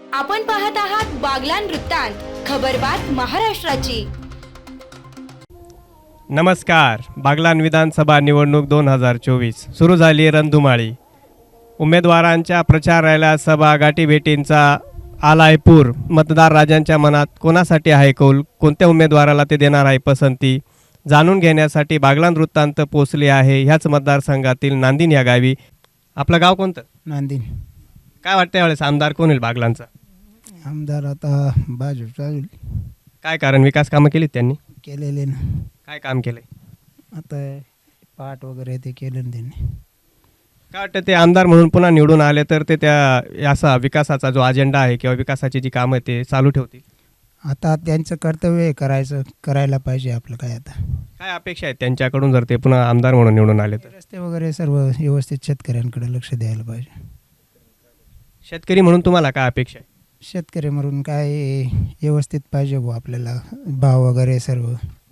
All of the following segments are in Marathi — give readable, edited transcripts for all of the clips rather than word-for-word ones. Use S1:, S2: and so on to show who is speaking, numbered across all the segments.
S1: आपण पाहत आहात बागलान वृत्तांत, खबरबात महाराष्ट्राची.
S2: नमस्कार. बागलान विधानसभा निवडणूक 2024 सुरू झाली रणधुमाळी. उमेदवारांच्या प्रचार रॅल्या, सभा, गाठीभेटींचा आलाय पूर. मतदार राजांच्या मनात कोणासाठी आहे कौल, कोणत्या उमेदवाराला ते देणार आहे पसंती, जाणून घेण्यासाठी बागलान वृत्तांत पोचले आहे ह्याच मतदारसंघातील नांदिन या गावी. आपलं गाव कोणतं?
S3: नांदिन.
S2: काय वाटतं यावेळेस आमदार कोण होईल बागलांचा?
S3: आमदार आता भाजपचा होईल.
S2: काय कारण, विकास कामं केलीत त्यांनी?
S3: केलेले ना.
S2: काय काम केलंय?
S3: आता पाट वगैरे ते केलं ना त्यांनी.
S2: काय वाटतं ते आमदार म्हणून पुन्हा निवडून आले तर ते त्या असा विकासाचा जो अजेंडा आहे किंवा विकासाची जी कामं ते चालू ठेवतील?
S3: आता त्यांचं कर्तव्य आहे, करायला पाहिजे. आपलं काय आता
S2: काय अपेक्षा आहेत त्यांच्याकडून जर ते पुन्हा आमदार म्हणून निवडून आले तर?
S3: रस्ते वगैरे सर्व व्यवस्थित शेतकऱ्यांकडे लक्ष द्यायला पाहिजे.
S2: शेतकरी म्हणून तुम्हाला काय अपेक्षा आहे?
S3: शेतकरी म्हणून काय व्यवस्थित पाहिजे भाऊ, आपल्याला भाव वगैरे सर्व.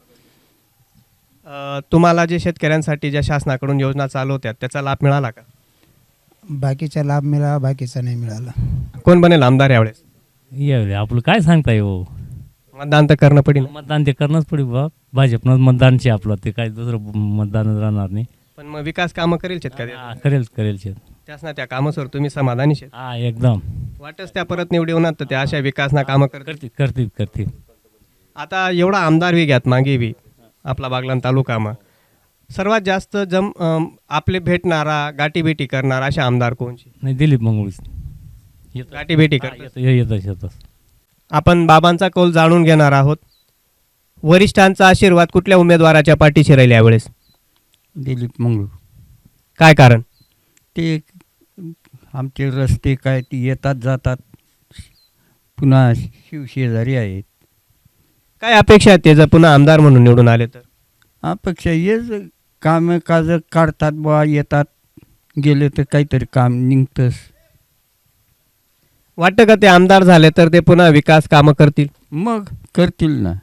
S2: तुम्हाला जे शेतकऱ्यांसाठी ज्या शासनाकडून योजना चालू होत्या त्याचा लाभ मिळाला का?
S3: बाकीचा लाभ मिळाला, बाकीचा नाही मिळाला.
S2: कोण बनेल आमदार यावेळेस?
S4: यावेळी आपलं काय सांगताय हो.
S2: मतदान तर करणं पडेल.
S4: मतदान ते करणंच पडेल बा. भाजपनं मतदानचे आपलं ते काय दुसरं मतदान राहणार नाही.
S2: पण मग विकास कामं करेल शेतकरी,
S4: करेल शेत.
S2: त्याच ना त्या कामासवर तुम्ही समाधानी शेत?
S4: हा एकदम.
S2: वाटच त्या परत निवडी होणार तर त्या अशा विकासना कामं करतील.
S4: करतील.
S2: आता एवढा आमदार बी घ्यात मागे बी आपला बागलान तालुकामा सर्वात जास्त आपले भेटणारा, गाठीभेटी करणारा अशा आमदार कोणची?
S4: नाही, दिलीप मंगळूच
S2: गाठीभेटी करतात.
S4: येतच.
S2: आपण बाबांचा कौल जाणून घेणार आहोत. वरिष्ठांचा आशीर्वाद कुठल्या उमेदवाराच्या पाठीशी राहील यावेळेस?
S5: दिलीप मंगळू.
S2: काय कारण?
S5: ते आमचे रस्ते काय ते येतात जातात, पुन्हा शिवशेजारी आहेत.
S2: काय अपेक्षा आहेत ते जर पुन्हा आमदार म्हणून निवडून आले तर?
S5: अपेक्षा हेच कामं काज काढतात बा, येतात गेले तर काहीतरी काम निघतंच.
S2: वाटतं का ते आमदार झाले तर ते पुन्हा विकास कामं करतील?
S5: मग करतील ना,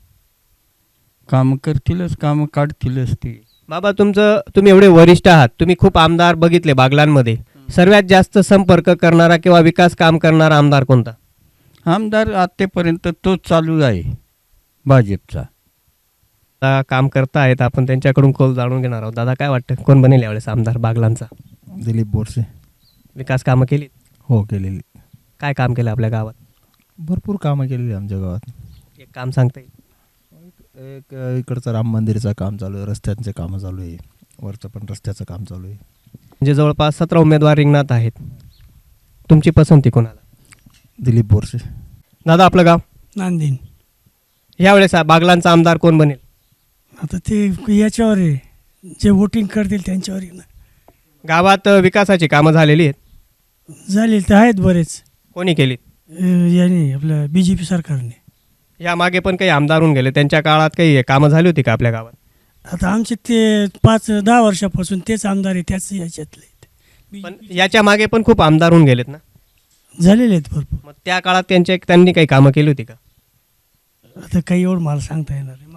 S5: कामं करतीलच, कामं काढतीलच ते.
S2: बाबा, तुम्ही एवढे वरिष्ठ आहात, तुम्ही खूप आमदार बघितले बागलांमध्ये. सर्वात जास्त संपर्क करणारा किंवा विकास काम करणारा आमदार कोणता?
S5: आमदार आतापर्यंत तोच चालू आहे भाजपचा.
S2: आता काम करतायत, आपण त्यांच्याकडून कौल जाणून घेणार आहोत. दादा, काय वाटतं कोण बनेल यावेळेस आमदार बागलांचा?
S6: दिलीप बोरसे.
S2: विकास कामं केली?
S6: हो, केलेली.
S2: काय काम केलं आपल्या गावात?
S6: भरपूर कामं केलेली आमच्या गावात.
S2: एक काम सांगता येईल?
S6: एक इकडचं राम मंदिरचं काम चालू आहे, रस्त्यांचे कामं चालू आहे, वरचं पण रस्त्याचं काम चालू आहे.
S2: म्हणजे जवळपास 17 उमेदवार रिंगणात आहेत. तुमची पसंती कोणाला?
S6: दिलीप बोरसे.
S2: दादा, आपलं गाव?
S7: नांदिन.
S2: यावेळेस बागलांचा आमदार कोण बनेल?
S7: आता ते याच्यावर आहे, जे वोटिंग करतील त्यांच्यावर आहे ना.
S2: गावात विकासाची कामं झालेली आहेत?
S7: झाले तर आहेत बरेच.
S2: कोणी केली?
S7: याने आपल्या BJP सरकारने.
S2: या मागे पण काही आमदार होऊन गेले, त्यांच्या काळात काही कामं झाली होती का आपल्या गावात?
S7: आता आमचे ते 5-10 वर्षापासून तेच आमदार आहे, त्याच याच्यातले आहेत.
S2: पण याच्या मागे पण खूप आमदार होऊन गेलेत ना.
S7: झालेले आहेत भरपूर.
S2: मग त्या काळात त्यांनी काही कामं केली होती का?
S7: आता काही एवढं मला सांगता येणार नाही.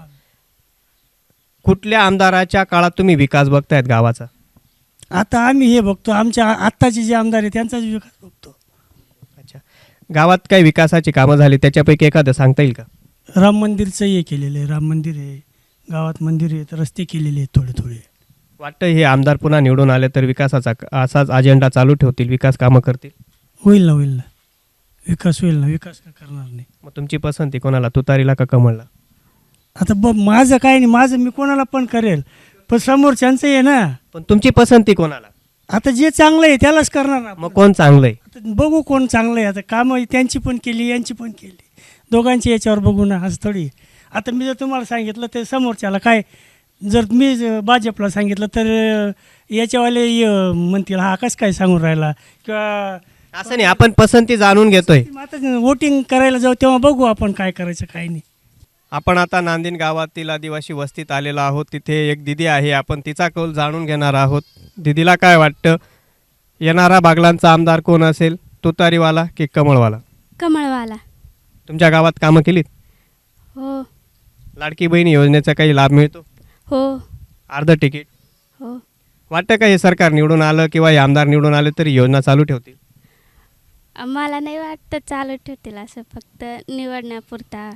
S2: कुठल्या आमदाराच्या काळात तुम्ही विकास बघतायत गावाचा?
S7: आता आम्ही हे बघतो, आमच्या आत्ताचे जे आमदार आहे त्यांचाच विकास बघतो.
S2: अच्छा, गावात काही विकासाची कामं झाली त्याच्यापैकी एखादं सांगता येईल का?
S7: राम मंदिरचं हे केलेलं आहे, राम मंदिर आहे गावात, मंदिर आहेत, रस्ते केलेले आहेत थोडे.
S2: वाटतं हे आमदार पुन्हा निवडून आले तर विकासाचा असाच अजेंडा चालू ठेवतील, विकास कामं करतील?
S7: होईल ना विकास होईल ना, विकास का करणार नाही.
S2: मग तुमची पसंती कोणाला, तुतारीला का कमळला?
S7: आता माझं काय नाही, माझं मी कोणाला पण करेल, पण समोरच्यांचं आहे ना.
S2: पण तुमची पसंती कोणाला?
S7: आता जे चांगलं आहे त्यालाच करणार ना.
S2: मग कोण चांगलं आहे?
S7: आता बघू कोण चांगलं आहे. आता कामं त्यांची पण केली, यांची पण केली, दोघांची याच्यावर बघू ना, असं थोडी. आता मी जर तुम्हाला सांगितलं तर समोरच्याला काय, जर मी भाजपला सांगितलं तर याच्यावाले म्हणतील हा कसं काय सांगून राहिला, किंवा
S2: असं नाही, आपण पसंती जाणून घेतोय.
S7: आता वोटिंग करायला जाऊ तेव्हा बघू आपण काय करायचं काय नाही.
S2: आपण आता नांदिन गावातील आदिवासी वस्तीत आलेलो आहोत. तिथे एक दिदी आहे, आपण तिचा कौल जाणून घेणार आहोत. दिदीला काय वाटतं, येणारा बागलांचा आमदार कोण असेल, तुतारीवाला की कमळवाला?
S8: कमळवाला.
S2: तुमच्या गावात कामं केलीत?
S8: हो.
S2: लाडकी बहीण योजनेचा काही लाभ मिळतो?
S8: हो.
S2: अर्ध तिकीट?
S8: हो.
S2: वाटतं का हे सरकार निवडून आलं किंवा हे आमदार निवडून आले तरी योजना चालू ठेवतील?
S8: मला नाही वाटतं चालू ठेवतील असं, फक्त निवडण्यापुरता.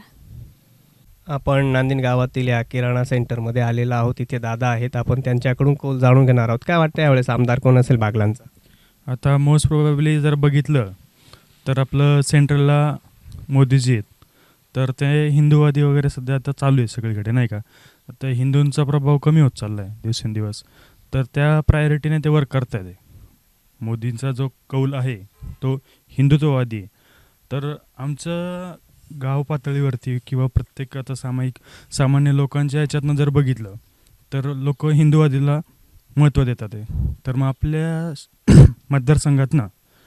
S2: आपण नांदिन गावातील या किराणा सेंटरमध्ये आलेलो आहोत. तिथे दादा आहेत, आपण त्यांच्याकडून कौल जाणून घेणार आहोत. काय वाटतं यावेळेस आमदार कोण असेल बागलांचा?
S9: आता मोस्ट प्रोबॅबली जर बघितलं तर आपलं सेंट्रलला मोदीजी आहेत, तर ते हिंदूवादी वगैरे सध्या आता चालू आहे सगळीकडे, नाही का. आता हिंदूंचा प्रभाव कमी होत चालला आहे दिवसेंदिवस, तर त्या प्रायोरिटीने ते वर्क करत आहेत. मोदींचा जो कौल आहे तो हिंदुत्ववादी आहे. तर आमचं गाव पातळीवरती किंवा प्रत्येक आता सामान्य लोकांच्या ह्याच्यातनं जर बघितलं तर लोक हिंदुवादीला महत्त्व देतात आहे. तर मग आपल्या मतदारसंघातनं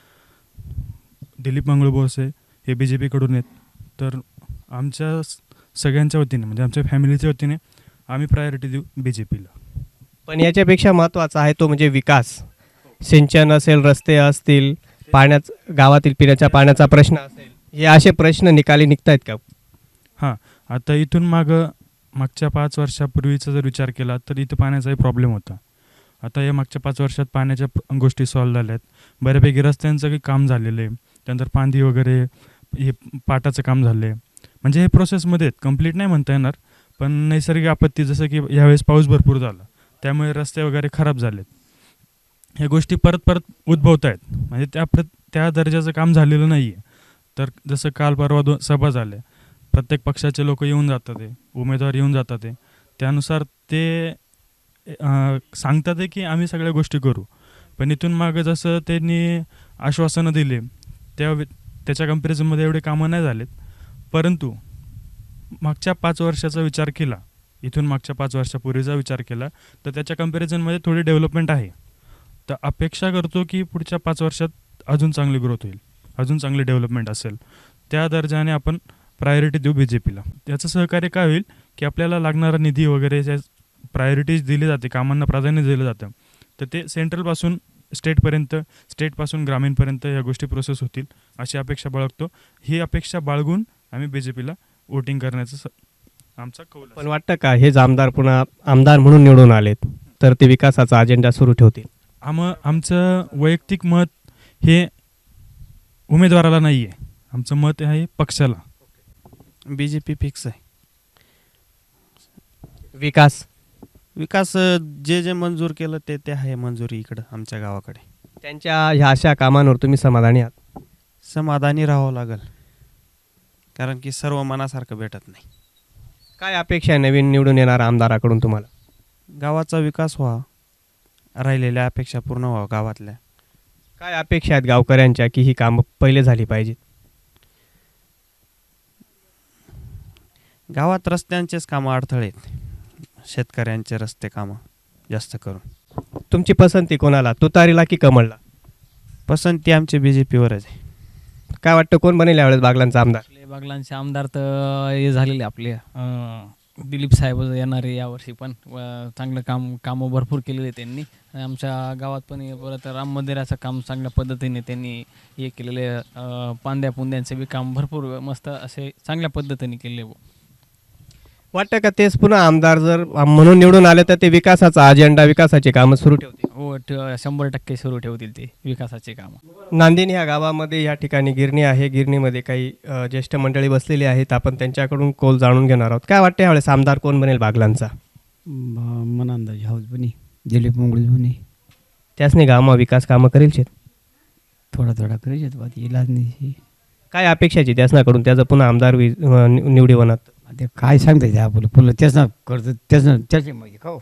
S9: दिलीप मंगळू बोरसे हे BJP कडून आहेत. तर आमच्या सगळ्यांच्या वतीने म्हणजे आमच्या फॅमिलीच्या वतीने आम्ही प्रायोरिटी देऊ BJPला.
S2: पण याच्यापेक्षा महत्त्वाचा आहे तो म्हणजे विकास. सिंचन असेल, रस्ते असतील, गावातील पिण्याच्या पाण्याचा प्रश्न असेल, हे असे प्रश्न निकाली निघतायत का?
S9: हां, आता इथून मागच्या 5 वर्षापूर्वीचा जर विचार केला तर इथं पाण्याचाही प्रॉब्लेम होता. आता या मागच्या 5 वर्षात पाण्याच्या गोष्टी सॉल्व्ह झाल्या आहेत. बऱ्यापैकी रस्त्यांचं काही काम झालेलं आहे. त्यानंतर पांदी वगैरे हे पाटाचं काम झालं आहे. म्हणजे हे प्रोसेसमध्ये आहेत, कंप्लीट नाही म्हणता येणार. पण नैसर्गिक आपत्ती जसं की यावेळेस पाऊस भरपूर झाला त्यामुळे रस्ते वगैरे खराब झालेत. ह्या गोष्टी परत उद्भवत आहेत. म्हणजे त्या दर्जाचं काम झालेलं नाही आहे. तर जसं काल परवा सभा झाल्या, प्रत्येक पक्षाचे लोक येऊन जातात आहे, उमेदवार येऊन जातात आहे. त्यानुसार ते सांगतात आहे की आम्ही सगळ्या गोष्टी करू. पण इथून मागं जसं त्यांनी आश्वासनं दिले त्याच्या कम्पॅरिझनमध्ये एवढे कामं नाही झालेत. परंतु मागच्या 5 वर्षाचा विचार केला, इथून मागच्या 5 वर्षापूर्वीचा विचार केला तर त्याच्या कम्पॅरिझनमध्ये थोडी डेव्हलपमेंट आहे. तर अपेक्षा करतो की पुढच्या 5 वर्षात अजून चांगली ग्रोथ होईल, अजून चांगली डेव्हलपमेंट असेल. त्या दर्जाने आपण प्रायोरिटी देऊ BJPला. त्याचं सहकार्य काय होईल की आपल्याला लागणारा निधी वगैरे प्रायोरिटीज दिली जाते, कामांना प्राधान्य दिलं जातं. तर ते सेंट्रलपासून स्टेटपर्यंत, स्टेटपासून ग्रामीणपर्यंत या गोष्टी प्रोसेस होतील अशी अपेक्षा बाळगतो. ही अपेक्षा बाळगून आम्ही BJPला वोटिंग करण्याचं आमचा कौल.
S2: पण वाटतं का हेच आमदार पुन्हा आमदार म्हणून निवडून आलेत तर ते विकासाचा अजेंडा सुरू ठेवतील?
S9: आमचं वैयक्तिक मत हे उमेदवाराला नाही आहे, आमचं मत आहे पक्षाला.
S10: BJP फिक्स आहे.
S2: विकास
S10: जे मंजूर केलं ते आहे मंजुरी इकडं आमच्या गावाकडे.
S2: त्यांच्या ह्या अशा कामांवर तुम्ही समाधानी आहात?
S10: समाधानी राहावं लागेल, कारण की सर्व मनासारखं भेटत नाही.
S2: काय अपेक्षा आहे नवीन निवडून येणाऱ्या आमदाराकडून तुम्हाला?
S10: गावाचा विकास व्हावा, राहिलेल्या अपेक्षा पूर्ण व्हावं गावातल्या.
S2: काय अपेक्षा आहेत गावकऱ्यांच्या की ही कामं पहिले झाली पाहिजेत?
S10: गावात रस्त्यांचेच कामं अडथळे आहेत, शेतकऱ्यांचे रस्ते कामं जास्त करून.
S2: तुमची पसंती कोणाला, तुतारीला की कमळला?
S10: पसंती आमची BJPवरच आहे.
S2: काय वाटतं कोण बनेल यावेळेस बागलांचा आमदार?
S11: बागलांचे आमदार तर हे झालेले आपले दिलीप साहेब येणारे यावर्षी पण चांगलं कामं भरपूर केलेले त्यांनी. आमच्या गावात पण परत राम मंदिराचं काम चांगल्या पद्धतीने त्यांनी हे केलेले, पांद्या पुंद्यांचे बी काम भरपूर मस्त असे चांगल्या पद्धतीने केले.
S2: वाटतं का तेच पुन्हा आमदार जर म्हणून निवडून आले तर ते विकासाचा अजेंडा, विकासाची कामं सुरू ठेवतील?
S11: हो, 100% सुरू ठेवतील ते विकासाचे कामं.
S2: नांदिन ह्या गावामध्ये या ठिकाणी गिरणी आहे. गिरणीमध्ये काही ज्येष्ठ मंडळी बसलेली आहेत. आपण त्यांच्याकडून कौल जाणून घेणार आहोत. काय वाटतं यावेळेस आमदार कोण बनेल बागलांचा?
S5: मला अंदाज हाऊस बनी दिलीप मंगळू बनी.
S2: त्यासनी गावामध्ये विकास कामं करेल शेत?
S5: थोडा करेल बात इलाज नाही.
S2: काय अपेक्षाची त्यासनाकडून त्याचं पुन्हा आमदार निवडी बनत?
S5: ते काय सांगता येते आपलं पुन्हा त्याचं करतं त्याचे मग खाऊ.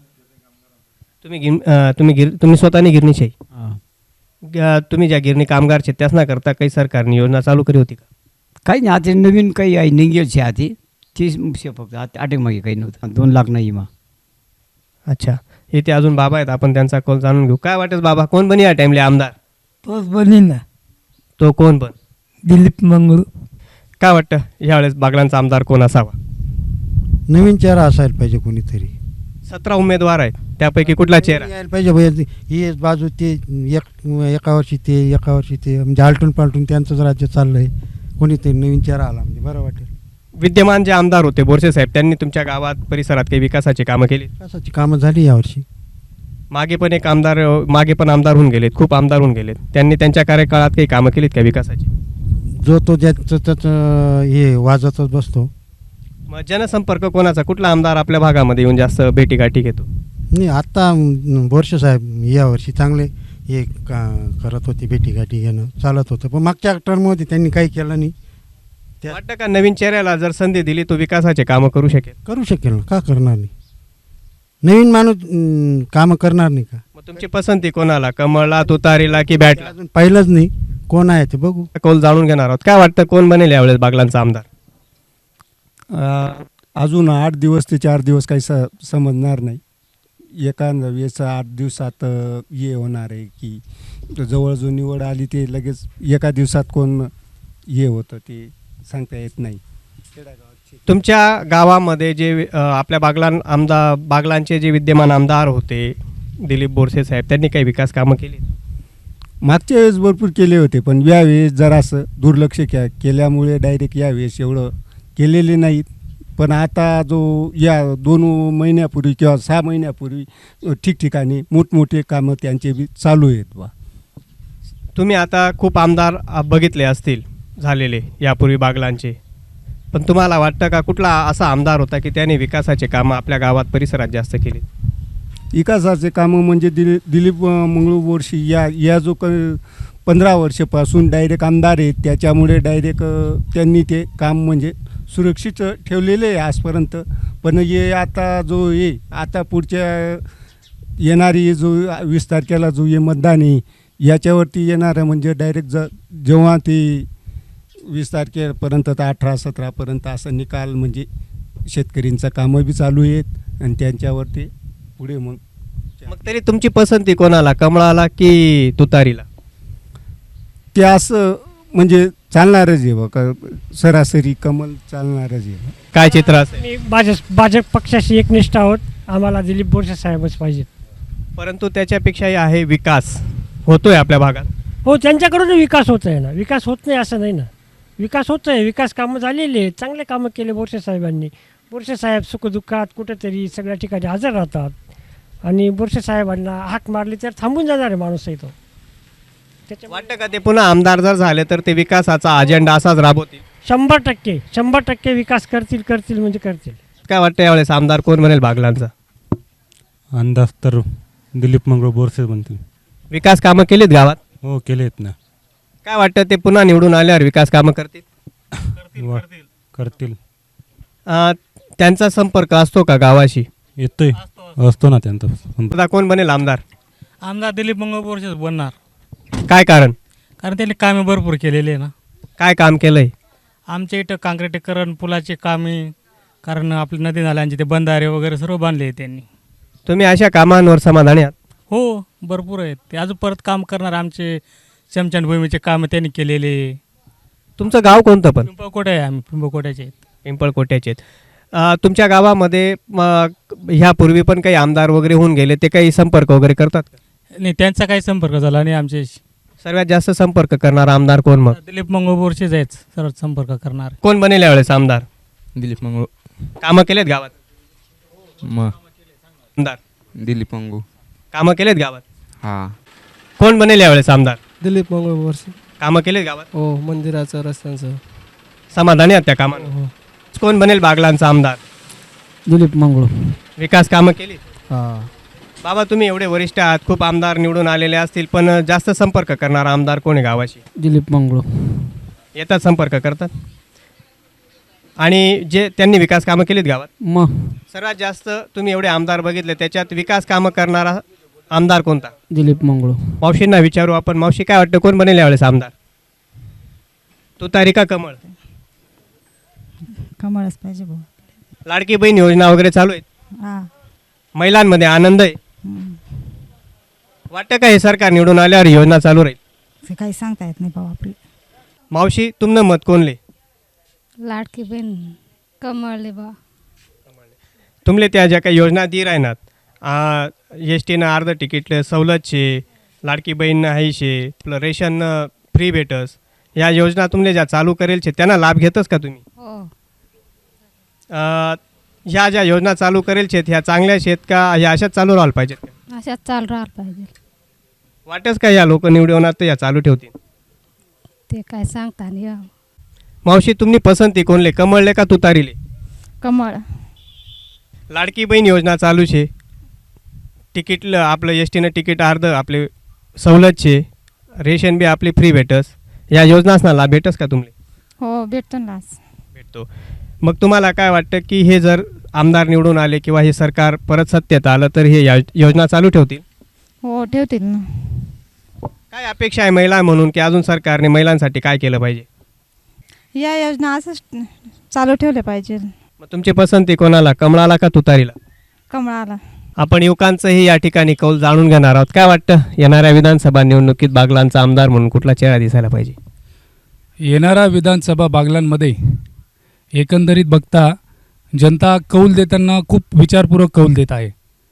S2: तुम्ही स्वतःने गिरणीचे तुम्ही ज्या गिरणी कामगारचे त्यासना करता काही सरकारने योजना चालू करी होती का?
S5: काही नाही, आता नवीन काही आहे निघेलची आधी तीच फक्त आटे मागे काही नव्हतं. 2 लाख नाही मग.
S2: अच्छा, इथे अजून बाबा आहेत, आपण त्यांचा कौल जाणून घेऊ. काय वाटत बाबा, कोण बनी या टाइमले आमदार?
S7: तोच बनीन ना,
S2: तो कोण बन?
S7: दिलीप मंगळू.
S2: काय वाटतं यावेळेस बागलांचा आमदार कोण असावा?
S3: नवीन चेहरा असायला पाहिजे कोणीतरी.
S2: 17 उमेदवार आहेत, त्यापैकी कुठला चेहरा
S3: यायला पाहिजे? ही बाजू ते एका वर्षी ते म्हणजे आलटून पालटून त्यांचंच राज्य चाललंय. कोणीतरी नवीन चेहरा आला म्हणजे बरं वाटेल.
S2: विद्यमान जे आमदार होते बोरसे साहेब, त्यांनी तुमच्या गावात परिसरात काही विकासाची कामं केली?
S3: विकासाची कामं झाली यावर्षी.
S2: मागे पण एक आमदार मागे पण आमदार होऊन गेलेत, खूप आमदार होऊन गेलेत. त्यांनी त्यांच्या कार्यकाळात काही कामं केलीत का विकासाची?
S3: जो तो ज्याचं त्याचं हे वाजतच बसतो.
S2: मग जनसंपर्क कोणाचा, कुठला आमदार आपल्या भागामध्ये येऊन जास्त भेटीगाठी घेतो?
S3: नाही आत्ता बोरसे साहेब यावर्षी चांगले हे करत होते, भेटीगाठी घेणं चालत होतं. पण मागच्या टर्ममध्ये त्यांनी काही केलं नाही.
S2: वाटतं का नवीन चेहऱ्याला जर संधी दिली तो विकासाचे कामं करू शकेल?
S3: करू शकेल ना, का करणार नाही? नवीन माणूस कामं करणार नाही का?
S2: मग तुमची पसंती कोणाला, कमळला, तुतारीला की बॅटला?
S3: अजून पाहिलंच नाही कोण आहे ते, बघू.
S2: कौल जाणून घेणार आहोत. काय वाटतं कोण बनेल यावेळेस बागलांचा आमदार?
S12: अजून 8 दिवस ते 4 दिवस काही समजणार नाही. एका वेळेस 8 दिवसात हे होणार आहे की जवळ जो निवड आली ते लगेच एका दिवसात कोण हे होतं ते सांगता येत नाही.
S2: तुमच्या गावामध्ये जे आपल्या बागलांचे जे विद्यमान आमदार होते दिलीप बोरसे साहेब, त्यांनी काही विकास कामं केली?
S12: मागच्या वेळेस भरपूर केले होते, पण यावेळेस जरासं दुर्लक्ष केल्यामुळे डायरेक्ट यावेळेस एवढं केलेले नाहीत. पण आता जो या 2 महिन्यापूर्वी किंवा 6 महिन्यापूर्वी ठिकठिकाणी मोठमोठे कामं त्यांचे बी चालू आहेत बा.
S2: तुम्ही आता खूप आमदार बघितले असतील झालेले यापूर्वी बागलांचे, पण तुम्हाला वाटतं का कुठला असा आमदार होता की त्याने विकासाचे कामं आपल्या गावात परिसरात जास्त केली?
S12: विकासाचे कामं म्हणजे दिलीप मंगळू बोरसे या जो 15 वर्षापासून डायरेक्ट आमदार आहेत, त्याच्यामुळे डायरेक्ट त्यांनी ते काम म्हणजे सुरक्षित ठेवलेले आहे आजपर्यंत. पण हे आता जो हे आता पुढच्या येणारी जो 20 तारखेला जो हे मतदान आहे याच्यावरती येणारं म्हणजे डायरेक्ट जेव्हा ते 20 तारखेपर्यंत तर 18-17पर्यंत असं निकाल म्हणजे शेतकऱ्यांचं कामं बी चालू आहेत आणि त्यांच्यावरती पुढे मग
S2: तरी तुमची पसंती कोणाला, कमळाला की तुतारीला?
S12: ते असं म्हणजे चालणारच आहे बघा, सरासरी कमल चालणारच आहे.
S2: काय चित्र असेल?
S7: मी भाजप पक्षाशी एकनिष्ठ आहोत. आम्हाला दिलीप बोरसे साहेबच पाहिजेत.
S2: परंतु त्याच्यापेक्षाही आहे विकास होतोय आपल्या भागात.
S7: हो, त्यांच्याकडून विकास होत आहे ना. विकास होत नाही असं नाही ना, विकास होत आहे. विकास कामं झालेली आहेत, चांगले कामं केले बोरसे साहेबांनी. बोरसे साहेब सुखदुःखात कुठेतरी सगळ्या ठिकाणी हजर राहतात आणि बोरसे साहेबांना हाक मारली तर थांबून जाणार आहे माणूस आहे तो.
S2: वाटतं का ते पुन्हा आमदार जर झाले तर ते विकासाचा अजेंडा असाच राबवतील?
S7: 100% विकास करतील म्हणजे करतील.
S2: काय वाटतं यावेळेस आमदार कोण बनेल बागलांचा?
S13: अंदाज तर दिलीप मंगळ बोरसे बनतील.
S2: विकास कामं केलीत गावात?
S13: हो, केले आहेत ना.
S2: काय वाटतं ते पुन्हा निवडून आल्यावर विकास कामं करतील?
S13: करतील.
S2: त्यांचा संपर्क असतो का गावाशी?
S13: येतोय, असतो ना त्यांचा संपर्क.
S2: आता कोण बनेल आमदार?
S11: आमदार दिलीप मंगळ बोरसेच बनणार.
S2: काय कारण?
S11: कारण त्यांनी कामे भरपूर केलेली आहे ना.
S2: काय काम केलंय?
S11: आमच्या इथं काँक्रिटीकरण, पुलाचे कामे, कारण आपले नदी नाल्यांचे ते बंधारे वगैरे सर्व बांधले त्यांनी.
S2: तुम्ही अशा कामांवर समाधानी आहात?
S11: हो, भरपूर आहेत. ते अजून परत काम करणार. आमचे स्मशानभूमीचे कामं त्यांनी केलेले.
S2: तुमचं गाव कोणतं? पण
S11: पिंपळकोटे आहे. आम्ही पिंपळकोट्याचे आहेत.
S2: पिंपळकोट्याचे आहेत. तुमच्या गावामध्ये ह्यापूर्वी पण काही आमदार वगैरे होऊन गेले, ते काही संपर्क वगैरे करतात का?
S11: नाही, त्यांचा काही संपर्क झाला नाही आमच्याशी.
S2: सर्वात जास्त संपर्क करणारा आमदार कोण मग?
S11: दिलीप मंगळ बोरसेच आहेत सर्वात संपर्क करणार.
S2: कोण बनेल यावेळेस आमदार?
S14: दिलीप मंगळ.
S2: कामं केलेत गावात?
S14: मग
S2: आमदार
S14: दिलीप मंगू.
S2: कामं केलेत गावात?
S14: हां.
S2: कोण बनेल यावेळेस आमदार?
S15: दिलीप मंगळ बोरसे.
S2: कामं केलेत गावात?
S15: हो, मंदिराचं, रस्त्यांचं.
S2: समाधानी आहात त्या कामांना? कोण बनेल बागलांचा आमदार?
S15: दिलीप मंगळ.
S2: विकास कामं केली?
S15: हां.
S2: बाबा, तुम्ही एवढे वरिष्ठ आहात, खूप आमदार निवडून आलेले असतील, पण जास्त संपर्क करणारा आमदार कोण आहे गावाशी?
S15: दिलीप मंगळ.
S2: येतात, संपर्क करतात. आणि जे त्यांनी विकास कामं केलीत गावात?
S15: मग
S2: सर्वात जास्त तुम्ही एवढे आमदार बघितले, त्याच्यात विकास कामं करणारा आमदार कोणता?
S15: दिलीप मंगळ.
S2: मावशींना विचारू आपण. मावशी, काय वाटतं कोण बनेल यावेळेस आमदार? तुतारी का कमळ?
S16: कमळच पाहिजे भाऊ.
S2: लाडकी बहीण योजना वगैरे चालू आहेत,
S16: हां.
S2: महिलांमध्ये आनंद आहे. वाटतं का हे सरकार निवडून आल्यावर योजना चालू राहील?
S16: ते काही सांगता येत नाही भाऊ आपले.
S2: मावशी, तुमनं मत कोणले?
S8: लाडकी बहीण कमळले बा.
S2: तुमले त्या ज्या काही योजना दी राहणार, एस टीनं अर्ध तिकीट सवलत शे, लाडकी बहीण आहे शे, आपलं रेशन फ्री भेटस, या योजना तुमले ज्या चालू करेल छे त्यांना लाभ घेतस का तुम्ही?
S8: हो.
S2: ह्या ज्या योजना चालू करेल शेत ह्या चांगल्या शेत का ह्या अशाच चालू राहायला पाहिजेत का?
S17: अशाच चालू राहायला पाहिजे.
S2: वाटच का या लोक निवडून तर या चालू ठेवतील?
S17: ते काय सांगता नाही हो.
S2: मावशी तुम्ही पसंती कोणले, कमळले का तुतारीले?
S17: कमळ.
S2: लाडकी बहीण योजना चालू छे, तिकीट आपलं एस टीनं तिकीट अर्ध आपले सवलत छे, रेशन बी आपली फ्री भेटस, या योजनासना लाभ भेटस का तुम्ही?
S17: हो भेटतो ना.
S2: भेटतो. मग तुम्हाला काय वाटतं की हे जर आमदार निवडून आले किंवा हे सरकार परत सत्तेत आलं तर हे योजना चालू ठेवतील?
S17: हो ठेवतील ना.
S2: काय अपेक्षा आहे महिला म्हणून की अजून सरकारने महिलांसाठी काय केलं पाहिजे?
S16: या योजना असंच चालू ठेवल्या पाहिजे.
S2: मग तुमची पसंती कोणाला, कमळाला का तुतारीला?
S16: कमळाला.
S2: आपण युवकांचंही या ठिकाणी कौल जाणून घेणार आहोत. काय वाटतं येणाऱ्या विधानसभा निवडणुकीत बागलांचा आमदार म्हणून कुठला चेहरा दिसायला पाहिजे?
S18: येणाऱ्या विधानसभा बागलांमध्ये एकंदरीत बघता जनता कौल देताना खूप विचारपूर्वक कौल देत आहे.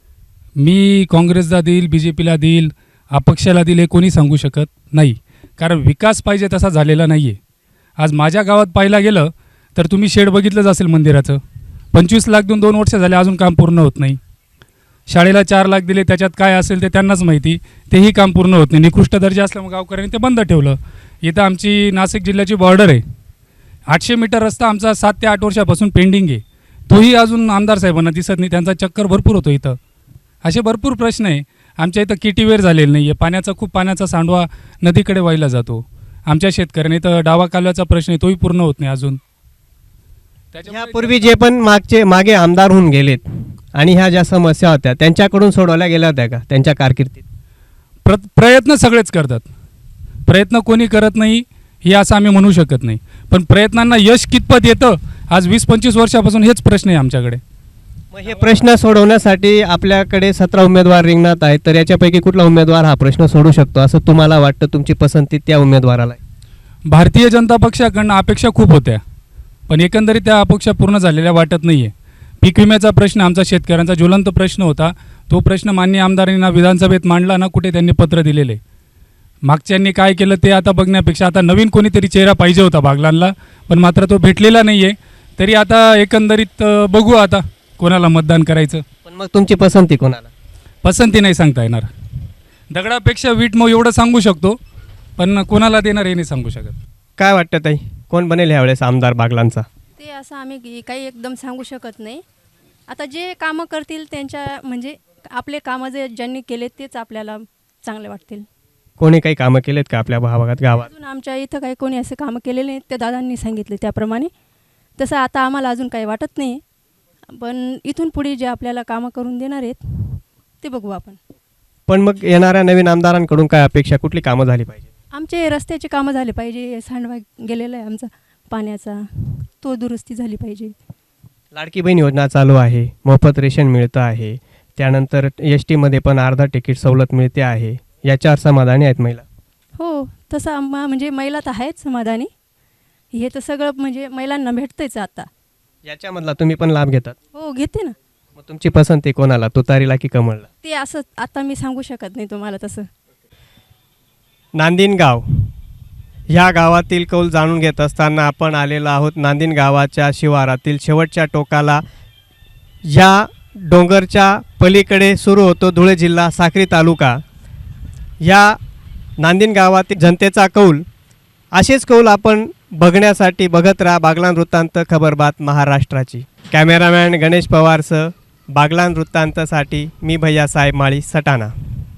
S18: मी काँग्रेसला देईल, बी जे पीला देईल, अपक्षाला देईल हे कोणी सांगू शकत नाही, कारण विकास पाहिजे तसा झालेला नाही आहे. आज माझ्या गावात पाहायला गेलं तर तुम्ही शेड बघितलंच असेल मंदिराचं, 25 लाख देऊन 2 वर्ष झाले अजून काम पूर्ण होत नाही. शाळेला 4 लाख दिले, त्याच्यात काय असेल ते त्यांनाच माहिती, तेही काम पूर्ण होत नाही. निकृष्ट दर्जा असल्यामुळे गावकऱ्यांनी ते बंद ठेवलं. इथं आमची नाशिक जिल्ह्याची बॉर्डर आहे, 800 मीटर रस्ता आमचा 7 ते 8 वर्षापासून पेंडिंग आहे, तोही अजून आमदार साहेबांना दिसत नाही. त्यांचा चक्कर भरपूर होतो इथं. असे भरपूर प्रश्न आहे. आमच्या इथं किटीवेर झालेलं नाही आहे, पाण्याचा सांडवा नदीकडे वाहिला जातो. आमच्या शेतकऱ्यांनी इथं डावा कालव्याचा प्रश्न आहे, तोही पूर्ण होत नाही अजून.
S2: यापूर्वी जे पण मागे आमदार होऊन गेलेत आणि ह्या ज्या समस्या होत्या त्यांच्याकडून सोडवल्या गेल्या होत्या का त्यांच्या कारकिर्दीत?
S18: प्रयत्न सगळेच करतात, प्रयत्न कोणी करत नाही हे असं आम्ही म्हणू शकत नाही, पण प्रयत्नांना यश कितपत येतं आज 20-25 वर्षापासून हेच प्रश्न आहे आमच्याकडे.
S2: मग हे प्रश्न सोडवण्यासाठी आपल्याकडे 17 उमेदवार रिंगणात आहेत, तर याच्यापैकी कुठला उमेदवार हा प्रश्न सोडू शकतो असं तुम्हाला वाटतं? तुमची पसंती त्या उमेदवाराला आहे?
S18: भारतीय जनता पक्षाकडनं अपेक्षा खूप होत्या, पण एकंदरीत त्या अपेक्षा पूर्ण झालेल्या वाटत नाही आहे. पीक विम्याचा प्रश्न आमचा शेतकऱ्यांचा ज्वलंत प्रश्न होता, तो प्रश्न माननीय आमदारांना विधानसभेत मांडला ना, कुठे त्यांनी पत्र दिलेले. मागच्यांनी काय केलं ते आता बघण्यापेक्षा आता नवीन कोणीतरी चेहरा पाहिजे होता बागलांना, पण मात्र तो भेटलेला नाही आहे. तरी आता एकंदरीत बघू आता कोणाला मतदान करायचं.
S2: पण मग तुमची पसंती कोणाला?
S18: पसंती नाही सांगता येणार, दगडापेक्षा वीट मग एवढं सांगू शकतो, पण कोणाला देणार हे नाही सांगू शकत.
S2: काय वाटतं ताई, कोण बनेल यावेळेस आमदार बागलांचा?
S19: ते असं आम्ही काही एकदम सांगू शकत नाही. आता जे कामं करतील त्यांच्या म्हणजे आपले कामं जे ज्यांनी केले तेच आपल्याला चांगले वाटतील.
S2: कोणी काही कामं केलेत का आपल्या भागात, गावात?
S19: अजून आमच्या इथं काही कोणी असे कामं केलेले नाहीत, त्या दादांनी सांगितले त्याप्रमाणे. तसं आता आम्हाला अजून काही वाटत नाही, पण इथून पुढे जे आपल्याला कामं करून देणार आहेत ते बघू आपण.
S2: पण मग येणाऱ्या नवीन आमदारांकडून काय अपेक्षा, कुठली कामं झाली पाहिजे?
S19: आमचे रस्त्याचे कामं झाले पाहिजे, सांडवा गेलेला आहे आमचा पाण्याचा, तो दुरुस्ती झाली पाहिजे.
S2: लाडकी बहीण योजना चालू आहे, मोफत रेशन मिळतं आहे, त्यानंतर एस टीमध्ये पण अर्धा तिकीट सवलत मिळते आहे, याच्यावर समाधानी आहेत महिला?
S19: हो तसं म्हणजे महिला तर आहेच समाधानी. हे तर सगळं म्हणजे महिलांना भेटतंच आता.
S2: याच्यामधला तुम्ही पण लाभ घेतात?
S19: हो घेते ना.
S2: मग तुमची पसंती कोणाला, तुतारीला की कमळला?
S19: ते असं आता मी सांगू शकत नाही तुम्हाला तसं.
S2: नांदिन गाव ह्या गावातील कौल जाणून घेत असताना आपण आलेलो आहोत नांदिन गावाच्या शिवारातील शेवटच्या टोकाला. या डोंगरच्या पलीकडे सुरू होतो धुळे जिल्हा साक्री तालुका. या नांदिन गावातील जनतेचा कौल, असेच कौल आपण बघण्यासाठी बघत राहा बागलान वृत्तांत, खबरबात महाराष्ट्राची. कॅमेरामॅन गणेश पवारसह बागलान वृत्तांतसाठी मी भैयासाहेब माळी, सटाणा.